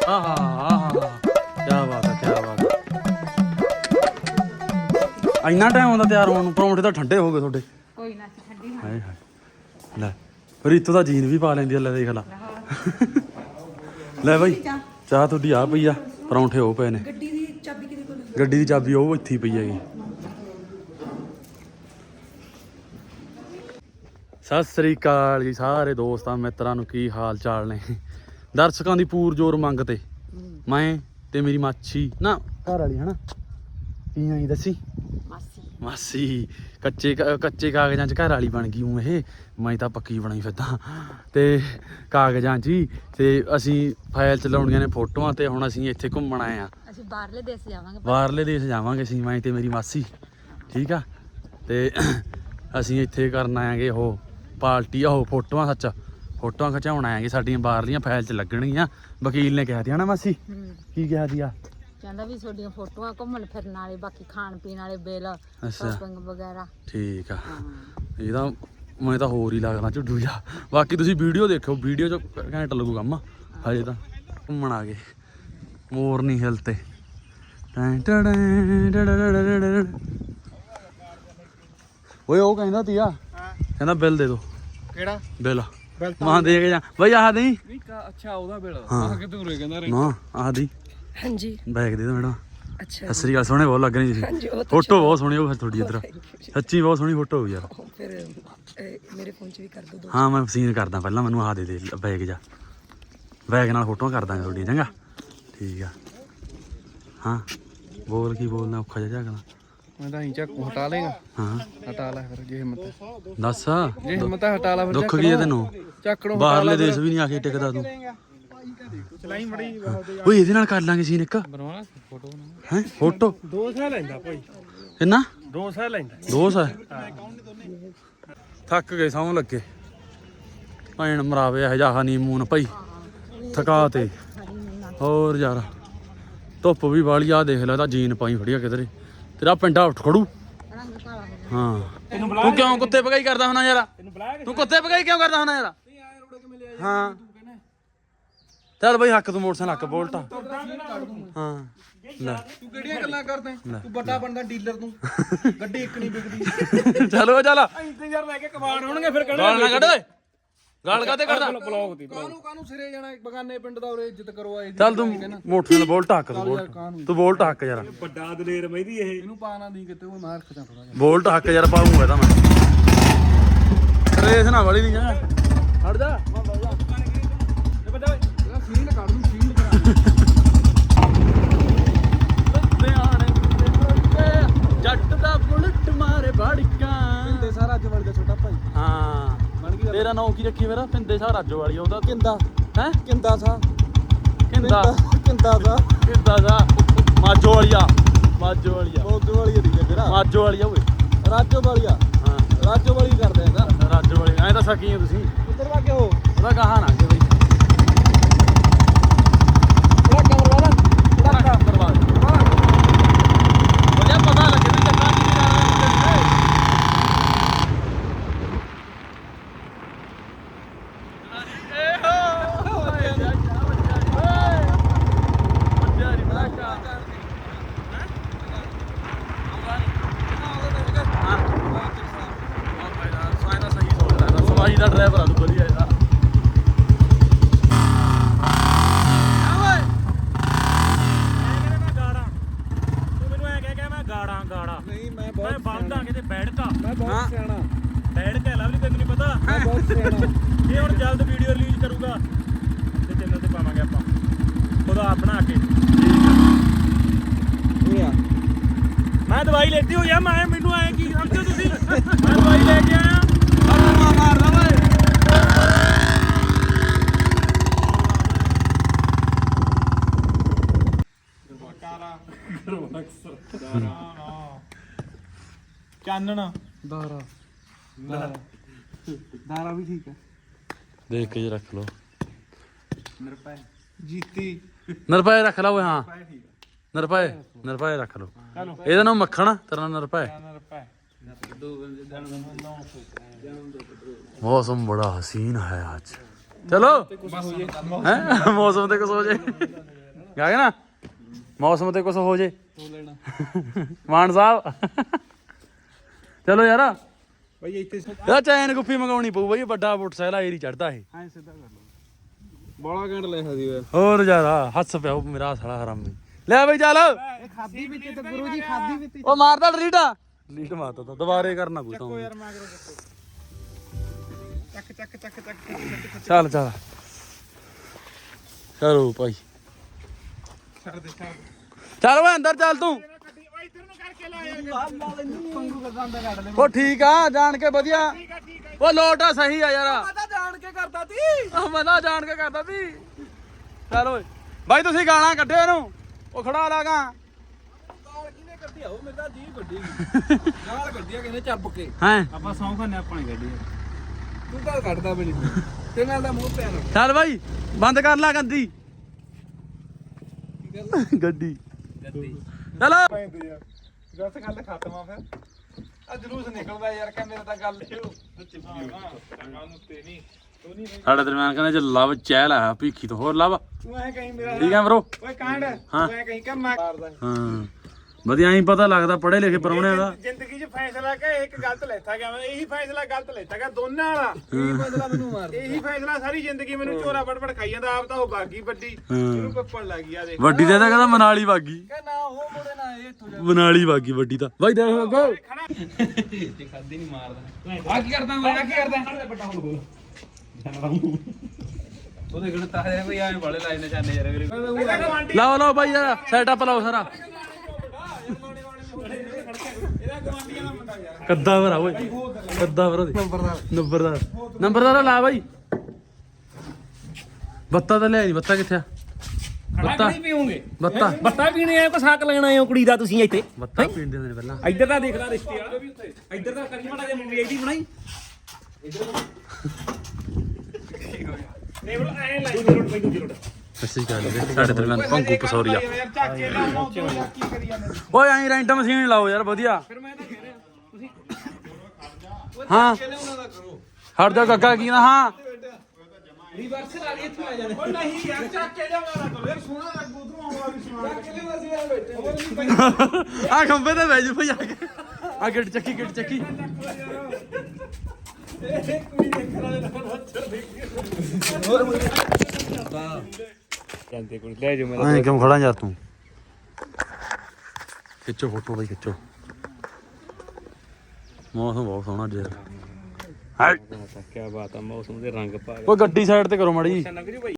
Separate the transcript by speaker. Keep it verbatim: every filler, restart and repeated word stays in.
Speaker 1: ਆਹਾ ਆਹਾ ਕੀ ਬਾਤ ਹੈ ਕੀ ਬਾਤ ਹੈ। ਇੰਨਾ ਟਾਈਮ ਹੁੰਦਾ ਤਿਆਰ ਹੋਣ ਨੂੰ? ਪਰੌਂਠੇ ਤਾਂ ਠੰਡੇ ਹੋ ਗਏ ਤੁਹਾਡੇ।
Speaker 2: ਕੋਈ ਨਾ ਠੰਡੀ
Speaker 1: ਹਾਏ ਹਾਏ ਲੈ ਰੀਤੂ ਤਾਂ ਜੀਨ ਵੀ ਪਾ ਲੈਂਦੀ ਆ। ਲੈ ਦੇਖ ਲਾ ਲੈ ਬਾਈ ਚਾਹ ਤੁਹਾਡੀ ਆ ਪਈ ਆ, ਪਰੌਂਠੇ ਉਹ ਪਏ ਨੇ।
Speaker 2: ਗੱਡੀ ਦੀ ਚਾਬੀ ਕਿਹਦੇ ਕੋਲ?
Speaker 1: ਗੱਡੀ ਦੀ ਚਾਬੀ ਉਹ ਇੱਥੇ ਹੀ ਪਈ ਹੈਗੀ। ਸਤਿ ਸ੍ਰੀ ਅਕਾਲ ਜੀ ਸਾਰੇ ਦੋਸਤਾਂ ਮਿੱਤਰਾਂ ਨੂੰ, ਕੀ ਹਾਲ ਚਾਲ ਨੇ? ਦਰਸ਼ਕਾਂ ਦੀ ਪੂਰ ਜ਼ੋਰ ਮੰਗ ਤੇ ਮੈਂ ਤੇ ਮੇਰੀ ਮਾਛੀ ਨਾ ਘਰ ਵਾਲੀ ਹਨਾ ਕੀ ਆਈ ਦੱਸੀ?
Speaker 2: ਮਾਸੀ।
Speaker 1: ਮਾਸੀ ਕੱਚੇ ਕੱਚੇ ਕਾਗਜ਼ਾਂ 'ਚ ਘਰ ਵਾਲੀ ਬਣ ਗਈ ਹੂੰ। ਇਹ ਮੈਂ ਤਾਂ ਪੱਕੀ ਬਣਾਈ ਫਿਰਦਾ ਤੇ ਕਾਗਜ਼ਾਂ 'ਚ ਹੀ। ਤੇ ਅਸੀਂ ਫਾਈਲ 'ਚ ਲਾਉਣੀਆਂ ਨੇ ਫੋਟੋਆਂ ਤੇ ਹੁਣ ਅਸੀਂ ਇੱਥੇ ਘੁੰਮਣ ਆਏ ਆ।
Speaker 2: ਅਸੀਂ ਬਾਹਰਲੇ ਦੇਸ਼ ਜਾਵਾਂਗੇ।
Speaker 1: ਬਾਹਰਲੇ ਦੇਸ਼ ਜਾਵਾਂਗੇ ਅਸੀਂ, ਮੈਂ ਤੇ ਮੇਰੀ ਮਾਸੀ। ਠੀਕ ਆ ਤੇ ਅਸੀਂ ਇੱਥੇ ਕਰਨ ਆਵਾਂਗੇ ਉਹ ਪਾਰਟੀ ਉਹ ਫੋਟੋਆਂ ਸੱਚ ਫੋਟੋਆਂ ਖਿਚਾਉਣ ਆਵਾਂਗੇ। ਸਾਡੀਆਂ ਬਾਹਰਲੀਆਂ ਫਾਈਲ 'ਚ ਲੱਗਣਗੀਆਂ। ਵਕੀਲ ਨੇ ਕਿਹਾ ਸੀ ਹਨਾ ਮਾਸੀ? ਕੀ ਕਿਹਾ ਸੀ ਆ?
Speaker 2: ਕਹਿੰਦਾ ਵੀ ਤੁਹਾਡੀਆਂ ਫੋਟੋਆਂ ਘੁੰਮਣ ਫਿਰਨ ਵਾਲੇ, ਬਾਕੀ ਖਾਣ ਪੀਣ ਵਾਲੇ ਬਿੱਲ, ਸ਼ਾਪਿੰਗ ਵਗੈਰਾ।
Speaker 1: ਠੀਕ ਆ। ਇਹਦਾ ਮੈਂ ਤਾਂ ਹੋਰ ਹੀ ਲੱਗਦਾ ਝੁੱਡੂ ਜਾ। ਬਾਕੀ ਤੁਸੀਂ ਵੀਡੀਓ ਦੇਖੋ, ਵੀਡੀਓ 'ਚ ਘੰਟ ਲੱਗੂ ਕੰਮ। ਹਜੇ ਤਾਂ ਘੁੰਮਣ ਆ ਗਏ। ਮੋਰ ਨਹੀਂ ਹਿਲ ਤੇ ਓਏ ਉਹ ਕਹਿੰਦਾ ਤੀਆ ਕਹਿੰਦਾ ਬਿੱਲ ਦੇ ਦੋ।
Speaker 3: ਕਿਹੜਾ
Speaker 1: ਬਿੱਲ? ਮਾਂ ਦੇ ਕੇ ਜਾ ਬਈ। ਆਹ ਦੇਈ।
Speaker 3: ਅੱਛਾ ਉਹਦਾ ਬਿੱਲ
Speaker 1: ਹਾਂ
Speaker 3: ਕਿਤੋਂ ਰੇ ਕਹਿੰਦਾ
Speaker 1: ਨਾ ਆਹ ਦੀ।
Speaker 2: ਹਾਂਜੀ
Speaker 1: ਬੈਗ ਦੇ ਦੋ ਮੈਡਮ।
Speaker 2: ਅੱਛਾ
Speaker 1: ਸਤਿ ਸ੍ਰੀ ਅਕਾਲ। ਸੋਹਣੇ ਬਹੁਤ ਲੱਗ ਰਹੇ ਜੀ।
Speaker 2: ਹਾਂਜੀ ਉਹ
Speaker 1: ਫੋਟੋ ਬਹੁਤ ਸੋਹਣੀ ਹੋ ਤੁਹਾਡੀ ਇੱਧਰ, ਸੱਚੀ ਬਹੁਤ ਸੋਹਣੀ ਫੋਟੋ ਹੋਈ ਯਾਰ।
Speaker 2: ਫਿਰ ਮੇਰੇ ਫੋਨ 'ਚ ਵੀ ਕਰ ਦੋ।
Speaker 1: ਹਾਂ ਮੈਂ ਸੀਨ ਕਰਦਾ ਪਹਿਲਾਂ, ਮੈਨੂੰ ਆਹ ਦੇ ਦੇ ਬੈਗ ਜਾ। ਬੈਗ ਨਾਲ ਫੋਟੋਆਂ ਕਰ ਦਾਂਗੇ ਤੁਹਾਡੀਆਂ ਚੰਗਾ। ਠੀਕ ਆ। ਹਾਂ ਬੋਲ ਕੀ ਬੋਲਣਾ ਔਖਾ ਜਿਹਾ ਝਗਣਾ।
Speaker 3: ਮੈਂ ਤਾਂ ਹੀ ਚੱਕੂ ਹਟਾ ਲੇਗਾ।
Speaker 1: ਹਾਂ
Speaker 3: ਹਟਾ ਲੈ ਫਿਰ ਜੇ ਹਿੰਮਤ
Speaker 1: ਦੱਸ
Speaker 3: ਜੇ ਹਿੰਮਤ ਹੈ ਹਟਾ ਲੈ ਫਿਰ।
Speaker 1: ਦੁੱਖ ਕੀ ਹੈ ਤੈਨੂੰ?
Speaker 3: ਚੱਕੜੋਂ
Speaker 1: ਬਾਹਰਲੇ ਦੇਸ਼ ਵੀ ਨਹੀਂ ਆ ਕੇ ਟਿਕਦਾ ਤੂੰ।
Speaker 3: ਚਲਾਈ ਮੜੀ
Speaker 1: ਓਏ ਇਹਦੇ ਨਾਲ ਕਰ ਲਾਂਗੇ ਸੀਨ ਇੱਕ।
Speaker 3: ਬਣਵਾਣਾ ਫੋਟੋ ਬਣਾ।
Speaker 1: ਹੈ ਫੋਟੋ
Speaker 3: ਦੋ ਸੌ ਲੈਂਦਾ ਭਾਈ।
Speaker 1: ਕਿੰਨਾ?
Speaker 3: ਦੋ ਸੌ ਲੈਂਦਾ।
Speaker 1: ਦੋ ਸੌ? ਥੱਕ ਗਏ ਸੌਂ ਲੱਗੇ। ਭੈਣ ਮਰਾਵੇ ਇਹ ਜਾ ਹਨੀਮੂਨ ਭਾਈ। ਥਕਾ ਤੇ ਹੋਰ ਯਾਰ ਧੁੱਪ ਵੀ ਵਾਲੀ ਆ। ਦੇਖ ਲੈ ਤਾਂ ਜੀਨ ਪਾਈ ਫੜੀਆ ਕਿਧਰੇ। ਤੇਰਾ ਪਿੰਡਾ ਉੱਠ ਖੜੂ। ਹਾਂ ਤੂੰ ਕਿਉਂ ਕੁੱਤੇ ਭਗਾਈ ਕਰਦਾ ਹੁਣਾ ਯਾਰ? ਤੂੰ ਕੁੱਤੇ ਭਗਾਈ ਕਿਉਂ ਕਰਦਾ ਹੁਣਾ ਯਾਰ? ਹਾਂ ਚੱਲ ਬਈ ਹੱਕ ਤੂੰ ਮੋਟਰਸਾਈਕਲ ਹੱਕ ਬੋਲਟਾ। ਹਾਂ ਲੈ
Speaker 3: ਤੂੰ ਕਿਹੜੀਆਂ ਗੱਲਾਂ ਕਰਦਾ? ਤੂੰ ਵੱਡਾ ਬਣਦਾ ਡੀਲਰ ਤੂੰ। ਗੱਡੀ ਇੱਕ ਨਹੀਂ ਵਿਕਦੀ।
Speaker 1: ਚਲੋ ਚੱਲ
Speaker 3: ਇੰਤਜ਼ਾਰ ਲੈ ਕੇ ਕਬਾੜ ਹੋਣਗੇ ਫਿਰ ਕਹਿਣਾ
Speaker 1: ਗਾਲ ਨਾ ਕੱਢ ਓਏ। ਗਾਲ ਕਾਤੇ ਕਰਦਾ?
Speaker 3: ਬਲੌਗ ਦੀ ਕਾਨੂੰ ਕਾਨੂੰ ਸਿਰੇ ਜਾਣਾ ਬਗਾਨੇ ਪਿੰਡ ਦਾ ਉਰੇ ਇੱਜ਼ਤ ਕਰੋ ਆਏ।
Speaker 1: ਚੱਲ ਤੂੰ ਮੋਟਰਸਾਈਕਲ ਬੋਲਟ ਹੱਕ ਤੂੰ ਬੋਲਟ ਤੂੰ ਬੋਲਟ ਹੱਕ ਯਾਰ।
Speaker 3: ਵੱਡਾ ਦਲੇਰ ਬਈਦੀ ਇਹ। ਇਹਨੂੰ ਪਾਣਾ ਨਹੀਂ ਕਿਤੇ ਉਹ ਮਾਰ ਖਦਾ ਥੋੜਾ ਜਿਹਾ।
Speaker 1: ਬੋਲਟ ਹੱਕ ਯਾਰ ਪਾਉਂਗਾ ਇਹਦਾ ਮੈਂ। ਰੇਸ ਨਾ ਵਾਲੀ ਨਹੀਂ ਜਾ। ਹਟ ਜਾ
Speaker 3: ਇਹ ਵੱਡਾ ਓਏ ਇਹਦਾ ਫੀਲਡ ਕੱਢ ਦੂੰ ਫੀਲਡ ਕਰਾ।
Speaker 1: ਜੱਟ ਦਾ ਬੁਲਟ ਮਾਰੇ ਬਾੜੀਆਂ।
Speaker 3: ਪਿੰਦੇ ਸਾਰਾ ਅੱਜ ਵੜ ਗਿਆ ਛੋਟਾ ਭਾਈ।
Speaker 1: ਹਾਂ
Speaker 3: ਬਣ ਗਈ
Speaker 1: ਤੇਰਾ ਨਾਂ ਕੀ ਰੱਖੀ ਮੇਰਾ? ਪਿੰਦੇ ਸਾਹ ਰਾਜੋ ਵਾਲੀ ਉਹਦਾ
Speaker 3: ਕਿੰਦਾ
Speaker 1: ਹੈ
Speaker 3: ਕਿੰਦਾ ਸਾ
Speaker 1: ਕਿੰਦਾ
Speaker 3: ਕਿੰਦਾ ਸਾ
Speaker 1: ਕਿੰਦਾ ਸਾ ਮਾਜੋ ਵਾਲੀਆ ਮਾਜੋ ਵਾਲੀਆ
Speaker 3: ਮੋਗੋ ਵਾਲੀ ਦੀ ਤੇਰਾ
Speaker 1: ਮਾਜੋ ਵਾਲੀਆ ਓਏ।
Speaker 3: ਰਾਜੋ ਵਾਲੀਆ
Speaker 1: ਹਾਂ
Speaker 3: ਰਾਜੋ ਵਾਲੀ ਕਰਦੇ ਆ ਇਹਦਾ।
Speaker 1: ਰਾਜੋ ਵਾਲੀ ਐਂ ਤਾਂ ਸਕੀ ਆ ਤੁਸੀਂ।
Speaker 3: ਕਿੱਧਰ ਵਾ ਕੇ ਹੋ
Speaker 1: ਉਹਦਾ ਕਹਾ ਨਾ ਕਿ ਬਈ
Speaker 3: ਥੋੜਾ ਕਮਰ ਵਾਲਾ ਥੋੜਾ
Speaker 1: ਪੜਾਕਾ ਕਰਵਾ ਦੇ। ਵਧੀਆ ਪਤਾ ਲੱਗੇ ਵੀ ਜੱਟਾਂ ਕੀ ਜਾਣਾ ਹੈ। ਸਵਾਈ ਦਾ ਡਰਾਈਵਰ ਆ ਤੂੰ ਵਧੀਆ ਇਹਦਾ।
Speaker 3: ਨਹੀਂ ਮੈਂ ਬਹੁਤ
Speaker 4: ਬੰਦਾ ਕਿਤੇ ਬੈਠਦਾ
Speaker 3: ਮੈਂ ਬਹੁਤ ਸਿਆਣਾ
Speaker 4: ਬੈਠ ਕੇ ਲਵਲੀ ਤੈਨੂੰ ਨਹੀਂ ਪਤਾ।
Speaker 3: ਮੈਂ ਬਹੁਤ ਸਿਆਣਾ।
Speaker 4: ਇਹ ਹੁਣ ਜਲਦ ਵੀਡੀਓ ਰਿਲੀਜ਼ ਕਰੂਗਾ ਤੇ ਚੈਨਲ ਤੇ ਪਾਵਾਂਗੇ ਆਪਾਂ ਉਹਦਾ ਬਣਾ ਕੇ।
Speaker 3: ਇਹ ਆ
Speaker 4: ਮੈਂ ਦਵਾਈ ਲੈਤੀ ਹੋਈ ਆ। ਮੈਂ ਮੈਨੂੰ ਆਏ ਕੀ ਸਮਝੋ ਤੁਸੀਂ? ਮੈਂ ਦਵਾਈ ਲੈ ਕੇ ਆਇਆ।
Speaker 1: ਮਾਰਦਾ ਓਏ।
Speaker 4: ਚਾਨਣ
Speaker 3: ਦਾਰਾ ਦਾਰਾ ਦਾਰਾ ਵੀ ਠੀਕ ਹੈ।
Speaker 1: ਦੇਖ ਕੇ ਰੱਖ ਲਓ।
Speaker 3: ਨਿਰਪੈ ਜੀਤੀ
Speaker 1: ਨਰਪਾਏ ਰੱਖ ਲਾ ਓਏ। ਹਾਂ ਨਰਪਾਏ ਨਰਪਾਏ ਰੱਖ ਲਓ। ਇਹਦਾ ਨਾਮ ਮੱਖਣ ਤੇਰਾ ਨਰਪਾਏ। मौसम बड़ा हसीन है आज। चलो है मौसम ते कुछ हो जाए। ਗਾ ਨਾ ਮੌਸਮ ਤੇ ਕੁਝ ਹੋ ਜੇ
Speaker 3: ਤੂੰ ਲੈਣਾ
Speaker 1: ਮਾਨ ਸਾਹਿਬ ਚਲੋ ਯਾਰ
Speaker 3: ਬਈ ਇੱਥੇ
Speaker 1: ਯਾਰ ਚੈਨ ਗੁੱਫੀ ਮੰਗਾਉਣੀ ਪਊ ਬਈ ਵੱਡਾ ਮੋਟਰਸਾਈਕਲ ਆਈ ਚੜਦਾ ਇਹ
Speaker 3: ਐ ਸਿੱਧਾ ਕਰ ਲਓ ਬੋਲਾ ਘੰਟ ਲੈ ਹਦੀ ਓਏ
Speaker 1: ਹੋਰ ਯਾਰ ਹੱਸ ਪਿਆ ਉਹ ਮੇਰਾ ਸਾਲਾ ਹਰਾਮੀ ਲੈ ਬਈ ਚੱਲ
Speaker 3: ਇਹ ਖਾਦੀ ਵਿੱਚ ਤੇ ਗੁਰੂ ਜੀ ਖਾਦੀ ਵਿੱਚ
Speaker 1: ਉਹ ਮਾਰਦਾ ਡਲੀਟ ਡਲੀਟ ਮਾਰਦਾ ਤਾ ਦੁਬਾਰੇ ਕਰਨਾ ਕੋਈ ਤਾਂ
Speaker 3: ਯਾਰ ਮੈਂ ਕਰੋ ਚੱਕ ਚੱਕ ਚੱਕ ਚੱਕ ਚੱਕ
Speaker 1: ਚੱਲ ਚੱਲ ਚਲੋ ਭਾਈ
Speaker 3: ਛੱਡ ਦੇ ਛੱਡ
Speaker 1: ਚੱਲ ਓਏ ਅੰਦਰ ਚੱਲ ਤੂੰ
Speaker 3: ਗੱਡੀ ਓਏ ਇੱਧਰ ਨੂੰ ਕਰਕੇ ਲਾ ਯਾਰ ਪੰਗੂ ਕਰਦਾ ਅੰਦਰ ਕੱਢ ਲੈ
Speaker 1: ਉਹ ਠੀਕ ਆ ਜਾਣ ਕੇ ਵਧੀਆ ਉਹ ਲੋਟ ਆ ਸਹੀ ਆ ਯਾਰ
Speaker 3: ਮੈਂ ਤਾਂ ਜਾਣ ਕੇ ਕਰਦਾ ਤੀ
Speaker 1: ਆ ਮੈਂ ਤਾਂ ਜਾਣ ਕੇ ਕਰਦਾ ਸੀ ਚੱਲ ਓਏ ਬਾਈ ਤੁਸੀਂ ਗਾਲਾਂ ਕੱਢਿਓ ਇਹਨੂੰ ਉਹ ਖੜਾ ਲਾਗਾ
Speaker 3: ਗਾਲ ਕਿਹਨੇ ਕੱਢੀ ਆ ਉਹ ਮੇਰੇ ਤਾਂ ਜੀਭ ਕੱਢੀ ਗਾਲ ਕੱਢੀ ਆ ਕਹਿੰਦੇ ਚੱਬ ਕੇ
Speaker 1: ਹੈ
Speaker 4: ਆਪਾਂ ਸੌਂ ਖਾਨੇ ਆਪਣੀ ਗੱਡੀ
Speaker 3: ਤੂੰ ਤਾਂ ਕੱਢਦਾ ਬੜੀ ਤੇ ਨਾਲ ਦਾ ਮੂੰਹ ਪਿਆ ਨਾ
Speaker 1: ਚੱਲ ਬਾਈ ਬੰਦ ਕਰ ਲਾ ਗੰਦੀ ਗੱਡੀ
Speaker 3: ਗੱਡੀ
Speaker 1: ਚਲੋ
Speaker 3: ਪੈਂਦੇ ਯਾਰ ਜਸ ਗੱਲ ਖਤਮ ਆ ਫਿਰ ਆ ਜਲੂਸ ਨਿਕਲਦਾ ਯਾਰ ਕਿ ਮੇਰੇ ਤਾਂ ਗੱਲ ਚਿੱਪੀ ਨੂੰ ਤੇ ਨਹੀਂ ਤੂੰ ਨਹੀਂ
Speaker 1: ਸਾਡੇ ਦਰਮਿਆਨ ਕਹਿੰਦੇ ਚ ਲਵ ਚਹਿਲ ਆ ਭੀਖੀ ਤੋਂ ਹੋਰ ਲਵ
Speaker 3: ਤੂੰ ਐ ਕਹੀਂ ਮੇਰਾ
Speaker 1: ਠੀਕ ਆ ਬ్రో
Speaker 3: ਓਏ ਕਾਂਡ
Speaker 1: ਹਾਂ।
Speaker 3: ਤੂੰ ਐ ਕਹੀਂ ਕਿ ਮੈਂ ਮਾਰਦਾ
Speaker 1: ਹਾਂ ਵਧੀਆ ਐਂ ਪਤਾ ਲੱਗਦਾ ਪੜ੍ਹੇ ਲਿਖੇ ਪਰੌਣਿਆਂ ਦਾ
Speaker 4: ਜ਼ਿੰਦਗੀ 'ਚ ਫੈਸਲਾ ਕਿ ਇੱਕ ਗਲਤ ਲੈਤਾ ਗਿਆ ਮੈਂ ਇਹੀ ਫੈਸਲਾ ਗਲਤ ਲੈਤਾ ਗਿਆ ਦੋਨਾਂ ਵਾਲਾ
Speaker 3: ਕੀ ਬਦਲਾ ਮੈਨੂੰ ਮਾਰ
Speaker 4: ਇਹੀ ਫੈਸਲਾ ਸਾਰੀ ਜ਼ਿੰਦਗੀ ਮੈਨੂੰ ਝੋਰਾ ਬੜਬੜ ਖਾਈ ਜਾਂਦਾ ਆਪ ਤਾਂ ਉਹ ਬਾਗੀ ਵੱਡੀ ਇਹਨੂੰ ਪੱਪਣ ਲੱਗ ਗਿਆ ਦੇਖ
Speaker 1: ਵੱਡੀ ਦੇ ਤਾਂ ਕਹਿੰਦਾ ਮਨਾਲੀ ਵਾਗੀ
Speaker 3: ਕਿ ਨਾ ਉਹ ਮੁੰਡੇ ਨਾ ਇਹ ਇੱਥੋਂ ਜਾ
Speaker 1: ਮਨਾਲੀ ਵਾਗੀ ਵੱਡੀ ਤਾਂ ਬਾਈ ਦੇਖ ਅੱਗੇ
Speaker 3: ਤੇ ਖਾਦੀ ਨਹੀਂ ਮਾਰਦਾ ਆ ਕੀ ਕਰਦਾ ਮੈਂ ਆ ਕੀ ਕਰਦਾ ਵੱਡਾ ਹੁਣ ਉਹਦੇ ਗਣ ਤਾਂ ਹੈ ਬਈ ਐਵੇਂ ਵਾਲੇ ਲਾਈ ਨਿਸ਼ਾਨੇ ਯਾਰ ਵੀਰੇ
Speaker 1: ਲਾਓ ਲਾਓ ਬਾਈ ਯਾਰ ਸੈਟਅਪ ਲਾਓ ਸਾਰਾ ਕੱਦਾ ਭਰਾ ਓਏ ਕੱਦਾ ਭਰਾ ਦੇ
Speaker 3: ਨੰਬਰਦਾਰ
Speaker 1: ਨੰਬਰਦਾਰ ਨੰਬਰਦਾਰ ਲਾ ਬਾਈ ਬੱਤਾ ਤਾਂ ਲਿਆ ਨਹੀਂ ਬੱਤਾ ਕਿੱਥੇ ਆ ਬੱਤਾ
Speaker 4: ਪੀਉਂਗੇ
Speaker 1: ਬੱਤਾ
Speaker 4: ਬੱਤਾ ਪੀਣੇ ਆਏ ਕੋ ਸਾਕ ਲੈਣ ਆਏ ਹੋ ਕੁੜੀ ਦਾ ਤੁਸੀਂ ਇੱਥੇ
Speaker 1: ਬੱਤਾ ਪੀਂਦੇ ਨੇ ਪਹਿਲਾਂ
Speaker 4: ਇੱਧਰ ਦਾ ਦੇਖਦਾ ਰਿਸ਼ਤੇ ਵਾਲਾ ਵੀ ਉੱਥੇ ਇੱਧਰ ਦਾ ਕਰੀ ਮਾੜਾ ਜਿਹਾ ਮੂਵੀ ਆਈਡੀ ਬਣਾਈ ਨੇ ਬਲ ਐ ਲਾਈ ਰੋਡ ਪੈ ਦੂਜੀ ਰੋਡ
Speaker 1: ਸੱਚੀ ਗੱਲ ਹੈ ਸਾਡੇ ਦਰਮਿਆਨ ਭੰਗੂ ਪਸੌਰੀਆ
Speaker 3: ਯਾਰ ਚੱਕ ਕੇ ਲਾਉਣਾ ਉਹ ਯਾਰ ਕੀ ਕਰੀ ਜਾਂਦੇ
Speaker 1: ਓਏ ਐਂ ਰੈਂਟ ਮਸ਼ੀਨ ਲਾਓ ਯਾਰ ਵਧੀਆ
Speaker 3: ਫਿਰ ਮੈਂ ਤਾਂ ਕਹਿ ਰਿਹਾ ਤੁਸੀਂ
Speaker 1: ਹਾਂ
Speaker 3: ਕਿਹਨੇ ਉਹਨਾਂ ਦਾ ਕਰੋ
Speaker 1: ਹਟ ਜਾ ਕਾਕਾ ਕੀ ਨਾ ਹਾਂ
Speaker 3: ਰਿਵਰਸ ਲਾ ਲਈ ਇੱਥੋਂ ਆ ਜਾਣੇ ਉਹ ਨਹੀਂ ਯਾਰ ਚੱਕ ਕੇ ਜਾਵਾਂ ਨਾ ਕਰੋ ਯਾਰ ਸੋਹਣਾ ਲੱਗੂ ਉਧਰੋਂ ਆਉਂਦਾ ਵੀ ਸਮਾਨ ਚੱਕ ਕੇ ਲਿਆ ਸੀ ਯਾਰ ਬੈਠੇ ਹੋਰ ਨਹੀਂ
Speaker 1: ਆ ਖੰਬੇ ਤੇ ਬਹਿ ਜਾ ਭਈ ਆ ਕੇ ਆ ਗਿੱਟ ਚੱਕੀ ਗਿੱਟ ਚੱਕੀ
Speaker 3: ਇਹ ਕੁੜੀ ਦੇਖਣ ਵਾਲੇ ਦਾ ਮੱਛਰ ਦੇਖੀ
Speaker 4: ਜਾਂਦੇ ਕੁੜੀ ਲੈ ਜਾ
Speaker 1: ਐਂ ਕਿਉਂ ਖੜਾ ਯਾਰ ਤੂੰ ਖਿੱਚੋ ਫੋਟੋ ਬਈ ਖਿੱਚੋ ਮੌਸਮ ਬਹੁਤ ਸੋਹਣਾ ਜੇ ਹਾਏ
Speaker 4: ਕੀ ਬਾਤ ਆ ਮੌਸਮ ਦੇ ਰੰਗ ਪਾ
Speaker 1: ਓਏ ਗੱਡੀ ਸਾਈਡ ਤੇ ਕਰੋ ਮਾੜੀ
Speaker 4: ਲੰਘ ਜੂ ਭਾਈ